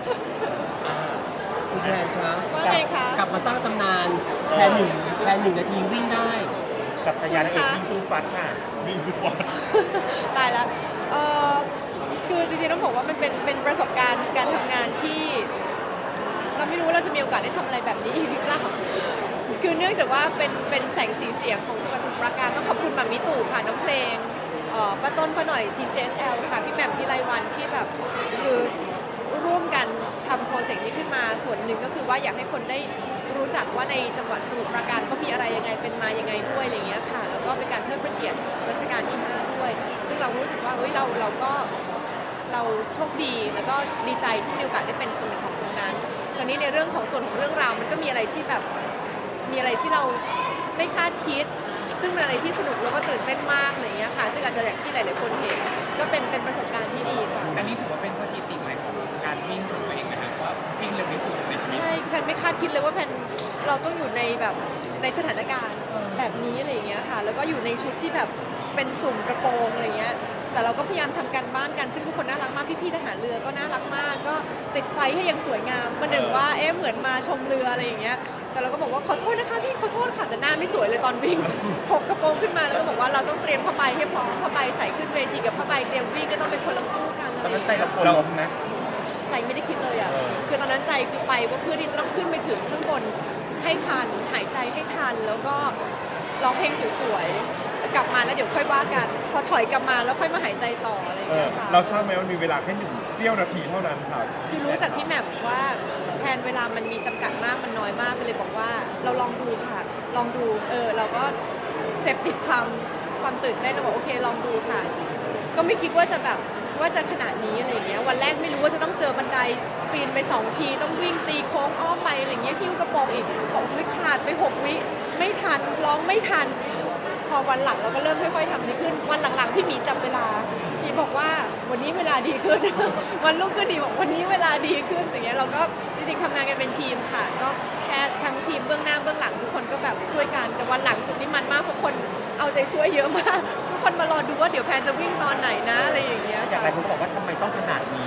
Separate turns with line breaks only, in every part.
คุณแพนคะ
ว่าไงคะ
กลับมาสร้างตำนานแพนหนึ่งนาทีวิ่งได้
กับชายานักเอกวิ่งสู้ฟัดค่ะวิ่งสู้ฟัด
ตายแล้วคือจริงๆต้องบอกว่ามันเป็นประสบการณ์การทำงานที่เราไม่รู้ว่าเราจะมีโอกาสได้ทำอะไรแบบนี้อีกหรือเปล่าคือเนื่องจากว่าเป็นแสงสีเสียงของจังหวัดสมุทรปราการต้องขอบคุณหม่ามิตู่ค่ะน้องเพลงป้าต้นป้าหน่อยทีม JSL ค่ะพี่แหม่มพี่ไลวันที่แบบคือร่วมกันทำโปรเจกต์นี้ขึ้นมาส่วนหนึ่งก็คือว่าอยากให้คนได้รู้จักว่าในจังหวัดสมุทรปราการก็มีอะไรยังไงเป็นมายังไงด้วยอะไรอย่างเงี้ยค่ะแล้วก็เป็นการเทิดพระเกียรติรัชกาลที่ 5 ด้วย ซึ่งเรารู้สึกว่าเฮ้ยเราโชคดีแล้วก็ดีใจที่มีโอกาสได้เป็นส่วนหนึ่งของตรงนั้นคราวนี้ในเรื่องของส่วนของเรื่องราวมันก็มีอะไรที่แบบมีอะไรที่เราไม่คาดคิด ซึ่งเป็นอะไรที่สนุกแล้วก็ตื่นเต้นมากอะไรอย่างเงี้ยค่ะซึ่งอาจจะอย่างที่หลายๆคนเห็นก็เป็นประสบการณ์ที่ดีค่ะ
อันนี้ถือว่าเป็นสถิติใหม่ของการวิ่งของตัวเองนะครับว่าวิ่งเร็วที่สุดในชีวิต
ใช่แพนไม่คาดคิดเลยว่าแพนเราต้องอยู่ในแบบในสถานการณ์แบบนี้อะไรอย่างเงี้ยค่ะแล้วก็อยู่ในชุดที่แบบเป็นสุ่มกระโปรงอะไรเงี้ยแต่เราก็พยายามทำการบ้านกันซึ่งทุกคนน่ารักมากพี่ๆทหารเรือก็น่ารักมากก็ติดไฟให้ยังสวยงามประหนึ่งว่าเหมือนมาชมเรืออะไรอย่างเงี้ยแต่เราก็บอกว่าขอโทษนะคะพี่ขอโทษค่ะแต่หน้าไม่สวยเลยตอนวิ่งถกกระโปรงขึ้นมาแล้วก็บอกว่าเราต้องเตรียมผ้าใบให้พร้อมผ้าใบใส่ขึ้นเวทีกับผ้าใบเตรียมวิ่งก็ต้องเป็นคนละคู่กัน
ตอนนั้นใจเรากลัวล้มนะ
ใจไม่ได้คิดเลยอ่ะ คือตอนนั้นใจคือไปว่าเพื่อที่จะต้องขึ้นไปถึงข้างบนให้ทัน หายใจให้ทัน แล้วก็ร้องเพลงสวยๆ กลับมาแล้วเดี๋ยวค่อยว่ากัน พอถอยกลับมาแล้วค่อยมาหายใจต่ออะไรอย่างเงี้ยค่ะ
เราทราบไหมว่ามีเวลาแค่1 เสี้ยวนาทีเท่านั้นครับ
คือรู้จากพี่แหม่มว่าแทนเวลามันมีจำกัดมากมันน้อยมากก็เลยบอกว่าเราลองดูค่ะ ลองดูเราก็เสพติดความตื่นเต้นเราบอกโอเคลองดูค่ะ ก็ไม่คิดว่าจะแบบว่าจะขนาดนี้อะไรอย่างเงี้ยวันแรกไม่รู้ว่าจะต้องเจอบันไดปีนไป2 ทีต้องวิ่งตีโค้งอ้อมไปอะไรอย่างเงี้ยหิ้วกระโปรงอีกบอกไม่ขาดไป6 วิไม่ทันร้องไม่ทัน พอวันหลังเราก็เริ่มค่อยๆทำดีขึ้นวันหลังๆพี่หมีจับเวลาพี่บอกว่าวันนี้เวลาดีขึ้น วันรุ่งขึ้นดีบอกวันนี้เวลาดีขึ้นอย่างเงี้ยเราก็จริงๆทำงานกันเป็นทีมค่ะก็แค่ทั้งทีมเบื้องหน้าเบื้องหลังทุกคนก็แบบช่วยกันแต่วันหลังสุดนี่มันมากเพราะคนเอาใจช่วยเยอะมากทุกคนมารอดูว่าเดี๋ยวแพนจะวิ่งตอนไหนนะอะไรอย่างเงี้ย
อย่างไรคุณก็บอกว่าทำไมต้องขนาดนี้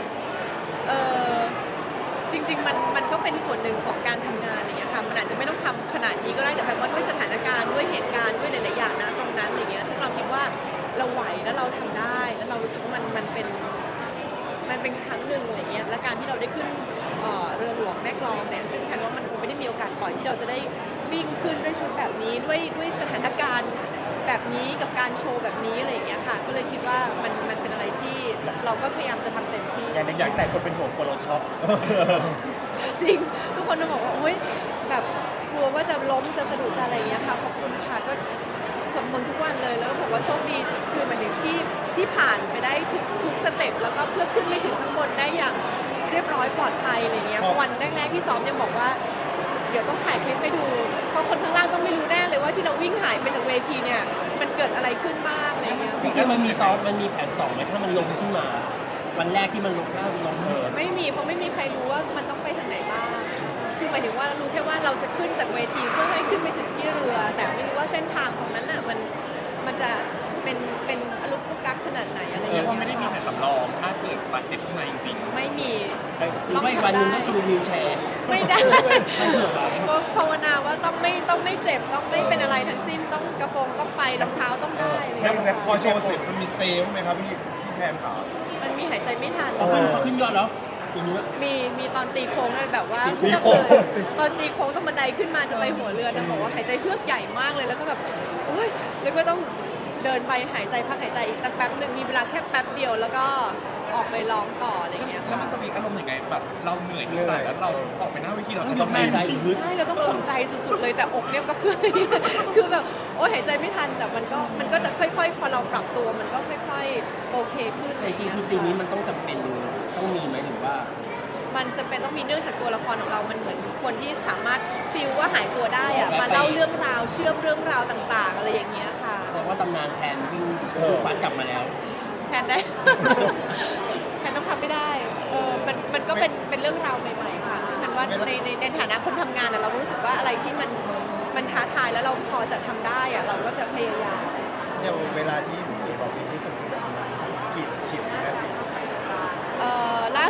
จริงๆมันก็เป็นส่วนหนึ่งของการทำงานอะไรเงี้ยค่ะมันอาจจะไม่ต้องทำขนาดนี้ก็ได้แต่แบบว่าด้วยสถานการณ์ด้วยเหตุการณ์ด้วยหลายๆอย่างนะตรงนั้นอะไรเงี้ยซึ่งเราคิดว่าเราไหวแล้วเราทำได้แล้วเรารู้สึกว่ามันเป็นครั้งหนึ่งอะไรเงี้ยและการที่เราได้ขึ้นเรือหลวงแม่กลองเนี่ยซึ่งแพนว่ามันคงไม่ได้มีโอกาสบ่อยที่เราจะได้วิ่งขึ้นด้วยชุดแบบนี้ด้วยสถานการณ์แบบนี้กับการโชว์แบบนี้อะไรอย่างเงี้ยค่ะก็เลยคิดว่ามันเป็นอะไรที่เราก็พยายามจะทำเต็มที่
อย่างในคลิปหลายคนเป็นห่วงกลัวเราช็อก
จริงทุกคนจะบอกว่าโอ๊ยแบบกลัวว่าจะล้มจะสะดุดจะอะไรอย่างเงี้ยค่ะขอบคุณค่ะก็สวดมนต์ทุกวันเลยแล้วก็บอกว่าโชคดีคือหมายถึงที่ผ่านไปได้ทุกสเต็ปแล้วก็เพื่อขึ้นไปถึงข้างบนได้อย่างเรียบร้อยปลอดภัยอะไรเงี้ยวันแรกๆที่ซ้อมยังบอกว่าเดี๋ยวต้องถ่ายคลิปให้ดูเพราะคนข้างล่างต้องไม่รู้แน่เลยว่าที่เราวิ่งหายไปจากเวทีเนี่ยมันเกิดอะไรขึ้นบ้างอะไรเงี้ย
จริงๆมันมีซ้อมมันมีแผน2ไหมถ้ามันลงขึ้นมา วันแรกที่มันลงถ้าลง
ไม่มีเพราะไม่มีใครรู้ว่ามันต้องไปทางไหนบ้าง คือหมายถึงว่ารู้แค่ว่าเราจะขึ้นจากเวทีเพื่อให้ขึ้นไปถึงที่เรือ แต่ไม่รู้ว่าเส้นทางตรงนั้นน่ะมันจะเป็นอลุกกุกกักขนาดไหนอะไรอย่าง
เรีย
เงี้
ก
ย
ว่าไม่ได้มีแผนสำรองถ้าเกิดบาดเจ็บขึ้นมาจริง
ไม่มี
หรือว่าอีกวันหนึงก็คือวิวแชร์
ไม่ได้ก็ภาวนาว่าต้องไม่เจ็บต้องไม่เป็นอะไรทั้งสิ้นต้องกระโปรงต้องไปรองเท้าต้องได้อะไรอย่าง
แล้ว
เงี้ย
แล้วพอ
ค่ะ
โชว์เสร็จมันมีเซฟไหมครับพี่แพนขา
มันมีหายใจไม่ทัน
พอขึ้นยอดแล้วอย่างนี้
มีตอนตีโค้งเลยแบบว่า
ตีโค้ง
ตอนตีโค้งต้องบันไดขึ้นมาจะไปหัวเรือนางบอกว่าหายใจเฮือกใหญ่มากเลยแล้วก็แบบโอ๊ยแล้วก็ต้องเดินไปหายใจพักหายใจอีกสักแป๊บหนึ่งมีเวลาแค่แป๊บเดียวแล้วก็ออกไปร้องต่ออะไรอย่างเงี้ย
ๆ แล้วมันสวิงอารมณ์ยังไงแบบเราเหนื่อยที่ไหนแล้วเราออกไปหน้าเวทีเรา
ต้อง
จะ
ย
ต้อก ง
หายใจ
แน่น
ลึก
ใช่เราต้องข่มใจสุดๆเลยแต่อกเนี่ยก็เพื่อน คือแบบโอ๊ยหายใจไม่ทันแต่มันก็จะค่อยๆพอเราปรับตัวมันก็ค่อยๆโอเคขึ้น
แต่จริงๆคือซีนนี้มันต้องจำเป็นต้องมีไหมหรือว่า
มันจะเป็นต้องมีเนื่องจากตัวละครของเรามันเหมือนคนที่สามารถฟีลว่าหายตัวได้อะมาเล่าเรื่องราวเชื่อมเรื่องราวต่างๆ อะไรอย่างเงี้ยค่ะ
แสดงว่าตำนานแทนวิ่งชูฟัดกลับมาแล้ว
แทนได้ แทนต้องทำไม่ได้มันก็เป็นเรื่องราวใหม่ๆค่ะซึ่งมันว่าในฐานะคนทำงานอะเรารู้สึกว่าอะไรที่มันท้าทายแล้วเราพอจะทำได้อะเราก็จะพยายาม
เนี่ยเวลาที่มีบอกปีที่สุดกี่นาที
ล่าสุด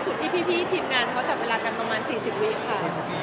สุดที่พี่ๆทีมงานเขาจับเวลากันประมาณ 40 วิค่ะ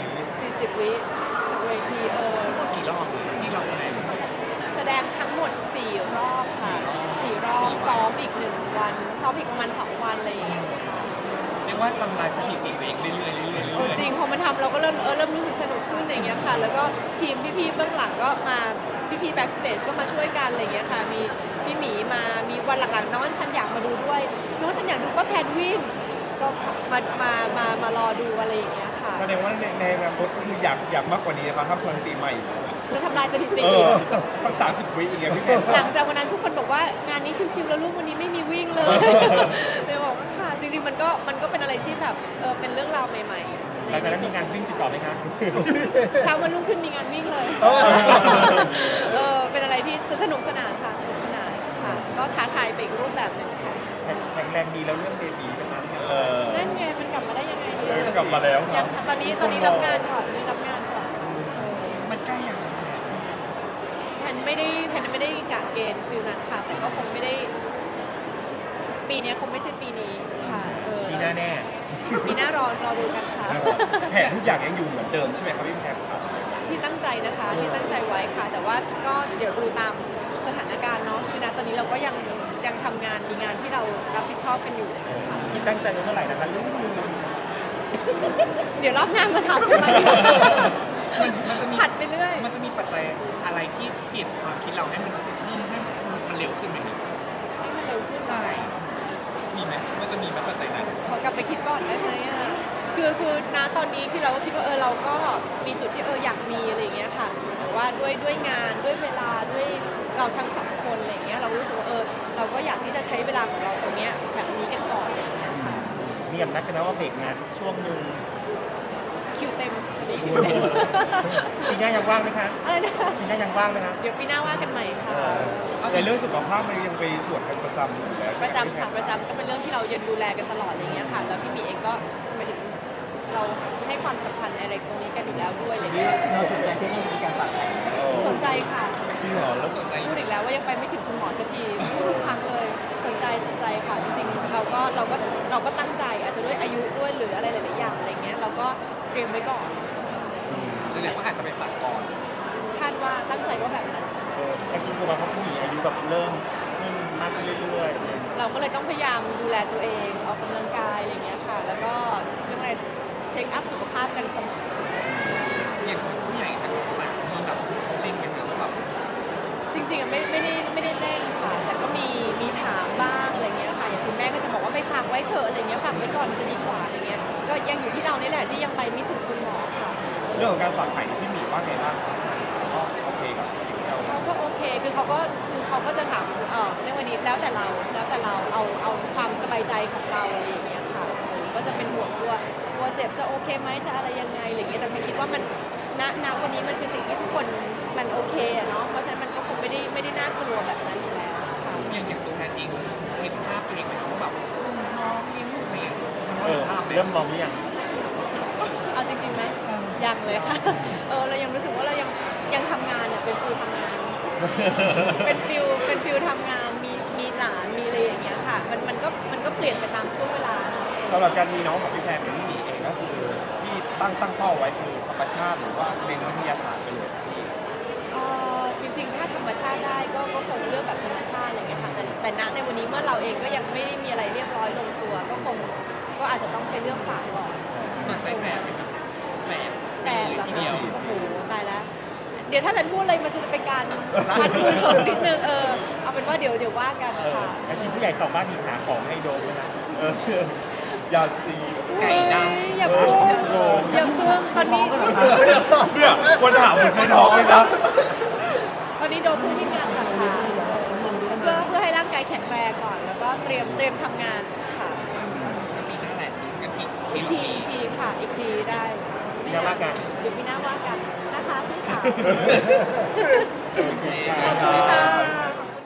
40 วิจากเวที
ทั้งหมดกี่รอบที่เราแสดง
แสดงทั้งหมด 4 รอบค่ะ 4 รอบซ้อมอีก 1 วันซ้อมอีกประมาณ 2 วันอะไรอย่างเงี้ยค่ะ
เรียกว่าทำลายสถิติตัวเองเรื่อยๆเรื่อยๆเรื่อยๆ
จริงพอมันทำเราก็เริ่มรู้สึกสนุกขึ้นอะไรอย่างเงี้ยค่ะ แล้วก็ทีมพี่ๆเบื้องหลังก็มาพี่ๆแบ็กสเตจก็มาช่วยกันอะไรอย่างเงี้ยค่ะมีพี่หมีมามีวันหลังๆน้องฉันอยากมาดูด้วยน้องฉันอยากดูป้าแพนวิ่งก็มารอดูอะไรอย่างเงี้ยค่ะ
แสดงว่าในอนาคตก็คืออยากมากกว่านี้นะครับทำสถิติใหม่
จะทำลายสถิติ
สัก30 วิอีกไงพี่แพน
หลังจากวันนั้นทุกคนบอกว่างานนี้ชิวๆแล้วลูกวันนี้ไม่มีวิ่งเลย เลยบอกว่าค่ะจริงๆมันก็เป็นอะไรที่แบบเป็นเรื่องราวใหม่ๆ
หลังจากนั้นมีงานวิ่งติดต่อไหมคะ
เช้าวันรุ่งขึ้นมีงานวิ่งเลยเป็นอะไรที่สนุกสนานค่ะสนุกสนานค่ะก็ท้าทายไปอีกรูปแบบหนึ่งค่ะ
แข็งแรงดีแล้วเรื่องเบบีนะคะ
นั่นไงมันกลับมาได้ยังไงดี
กลับมาแล้ว
ยังตอนนี้รับงานก่อนรับงานก่อน
มันใกล้ยัง
แพนไม่ได้กะเกณฑ์ฟิลนั้นค่ะ แต่ก็คงไม่ได้ ปีนี้คงไม่ใช่ปีนี้ค่ะ
ปีหน้าแน่
ปีหน้ารอดูกันค่ะ
แผนทุกอย่างยังอยู่เหมือนเดิมใช่ไหมครับพี่แพนครับ
ที่ตั้งใจนะคะที่ตั้งใจไว้ค่ะ แต่ว่าก็เดี๋ยวดูตามสถานการณ์เนาะคือณตอนนี้เราก็ยังทำงานมีงานที่เรารับผิดชอบกันอยู่ค่ะ
ที่ตั้งใจไว้เมื่อไหร่นะคะลูก
เดี๋ยวรอบหน้ามาทำกันใหม่
มันจะมี
ผัดไปเรื่อย
มันจะมีปัจจัยอะไรที่เปลี่ยนความคิดเราให้มันเพิ่มให้มันเร็วขึ้นไหมครับ
ให้มันเร็วขึ้น
ใช่ มีไหมมันจะมีไหมปัจจัยนั้น
ขอกลับไปคิดก่อนได้ไหมอ่ะคือณตอนนี้ที่เราก็คิดว่าเราก็มีจุดที่อยากมีอะไรอย่างเงี้ยค่ะแต่ว่าด้วยงานด้วยเวลาด้วยเราทั้งสองคนอะไรอย่างเงี้ยเรารู้สึกว่าเราก็อยากที่จะใช้เวลาของเราตรงเนี้ยแบบนี้กันก่อนอะไรอย่างเงี้ยค่ะ
มีกับนัดกันนะว่าเบรกงานสักช่วงหนึ่ง
คิวเต็มคิวเต็ม
ปีหน้ายังว่างไหมคะ
อะไรนะคะ
ปีหน้ายังว่างไหมคะ
เดี๋ยวปีหน้าว่ากันใหม่ค่ะ
ในเรื่องสุขภาพมันยังไปตรวจกันประจำอยู่แล้ว
ประจำค่ะประจำก็เป็นเรื่องที่เรายังดูแลกันตลอดอะไรเงี้ยค่ะ แล้วพี่หมีเองก็หมายถึงเราให้ความสำคัญในอะไรตรงนี้กันอยู่แล้วด้วยอะไรเงี้ย
เราสนใจที่มีการฝากแผน
สนใจค่ะ
จริงเหรอแล้ว
สนใจ
พูดอีกแล้วว่ายังไปไม่ถึงคุณหมอสักทีพูดทุกครั้งเลยสนใจค่ะจริงๆเราก็ตั้งใจอาจจะด้วยอายุด้วยหรืออะไรหลายๆอย่างอะไรเงี้ยเราก็เตรียมไว้ก่อน
แสดงว่าอาจจะไปฝากก่อน
คาดว่าตั้งใจว่าแบบนั้น
จริงๆคือว่าเขาผู้หญิงอายุแบบเริ่มขึ้นมากขึ้นเรื่อยๆ
เราก็เลยต้องพยายามดูแลตัวเองออกกำลังกายอะไรเงี้ยค่ะ แล้วก็เรื่องอะไรเช็คอัพสุขภาพกันเสมอ
อย่างผู้ใหญ่ทั้งสองฝ่ายเขามีแบบเล่นกันนะว่าแบบ
จริงๆอะไม่ได้เล่นค่ะ แต่ก็มีถามบ้างอะไรเงี้ยค่ะอย่างคุณแม่ก็จะบอกว่าไปฝากไว้เถอะอะไรเงี้ยฝากไว้ก่อนจะดีกว่าอะไรเงี้ยก็ยังอยู่ที่เรานี่แหละที่ยังไปไม่ถึงคุณหมอค่ะ
เรื่องของการฝากไข่พี่หมีว่าไงบ้างก็โอเคกับสิ่งที่เรา
เขาก็โอเคคือเขาก็จะถามเรื่องวันนี้แล้วแต่เราเอาความสบายใจของเราอะไรอย่างเงี้ยค่ะก็จะเป็นห่วงกลัวเจ็บจะโอเคไหมจะอะไรยังไงอะไรเงี้ยแต่ผมคิดว่ามันณวันนี้มันคือสิ่งที่ทุกคนมันโอเคอะเนาะเพราะฉะนั้นมันก็คงไม่ได้น่ากลัวแบบนั้นอยู่แล้วค่ะ
อย่างตัวแทนเองเห็นภาพตัวเองไหมครับว่าแบบน้องเลี้ยงลูกอะไรอย่างเงี้ยมันก็เห็นภาพเลย
เริ่มมองหรือยัง
เอาจริงๆไหมยังเลยค่ะเรายังรู้สึกว่าเรายังทำงานเนี่ยเป็นฟิลทำงาน เป็นฟิลทำงานมีหลานมีอะไรอย่างเงี้ยค่ะมันก็เปลี่ยนไปตามช่วงเวลาเนาะ
สำหรับการมีน้องของพี่แพนกับพี่หมีเองก็คือที่ตั้งเป้าไว้คือธรรมชาติหรือว่าเรียนวิทยาศาสตร์ไปเลยพี่
จริงๆ ถ้าธรรมชาติได้ก็คงเลือกแบบธรรมชาติอะไรเงี้ยค่ะแต่ณในวันนี้เมื่อเราเองก็ยังไม่ได้มีอะไรเรียบร้อยลงตัว ก็อาจจะต้องไปเลือกฝากก่อน
สนใจแฟนไหมครับแฟน
แต่
ทีเดียว
โอ้โหตายแล้ว เดี๋ยวถ้าเป็นพูดอะไรมันจะเป็นการพัดมือชนนิดนึงเอาเป็นว่าเดี๋ยวว่ากันค่ะ
จริงผู้ใหญ่สองบ้านมีหาของให้โดมไหมนะ
อย่าจี
ไก่ด
อย่าเพิ่งตอนนี้
เนี่ยคนถามผมเคยท้องไหมครับ
ตอนนี้โดนพูดที่งานค่ะเพื่อให้ร่างกายแข็งแรงก่อน แล้วก็เตรียมทำงานค่ะ
ก็ปีหน้าแหละปีกันอีก
อีกทีค่ะอีกทีได้ไม่
เดี๋ยวว่ากัน
เดี๋ยวพี่หน้าว่ากันนะคะพี่สาว
โอเค
ขอบคุณค่ะ